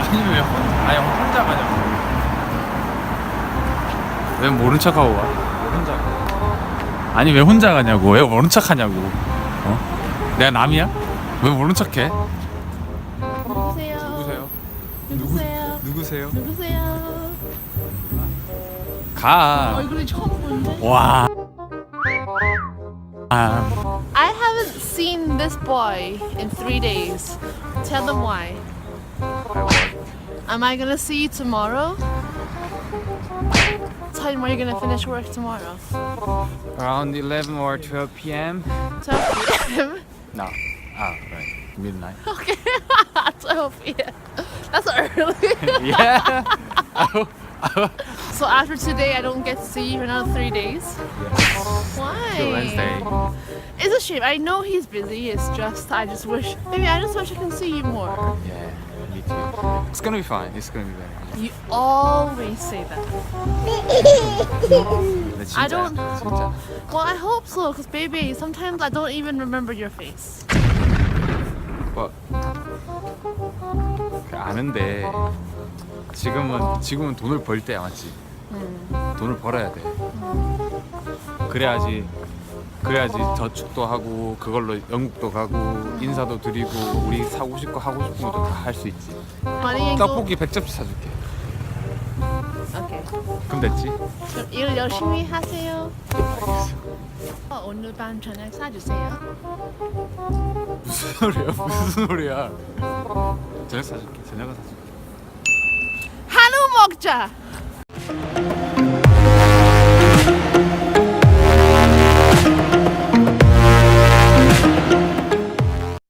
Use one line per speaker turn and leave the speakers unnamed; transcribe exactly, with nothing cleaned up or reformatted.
아니 왜 혼, 아니 혼자 가냐고. 왜 모른 척하고 가? 왜 혼자 가? 아니 왜 혼자 가냐고. 왜 모른 척하냐고. 어? 내가 남이야? 왜 모른 척해?
누구세요?
누구세요?
누구세요?
누구세요?
누구세요?
가.
얼굴이 처음 보는데?
와. 아.
I haven't seen this boy in three days. Tell them why. Am I gonna see you tomorrow? Tell them when you're gonna finish work tomorrow.
Around eleven or twelve p m
twelve p m
No. Ah, right. Midnight.
Okay. twelve p m That's early.
Yeah.
So after today, I don't get to see you for another three days. Why?
Till Wednesday.
It's a shame. I know he's busy. It's just I just wish. Maybe I just wish I can see you more.
Yeah, me too. It's gonna be fine. It's gonna be better.
You always say that.
근데 진짜,
I don't-
진짜.
Well, I hope so. Cause baby, sometimes I don't even remember your face.
뭐 그 아는데 지금은 지금은 돈을 벌 때야 맞지?
음.
돈을 벌어야 돼. 그래야지 그래야지 저축도 하고 그걸로 영국도 가고 인사도 드리고 우리 사고 싶고 하고 싶은 것도 다 할 수 있지.
Money ain't go.
떡볶이 백 접시 사줄게.
Okay.
그럼 됐지?
그럼 일 열심히 하세요. 어, 오늘 밤 저녁 사주세요.
무슨 소리야? 무슨 소리야? 저녁 사줄게. 저녁은 사줄게.
한우 먹자.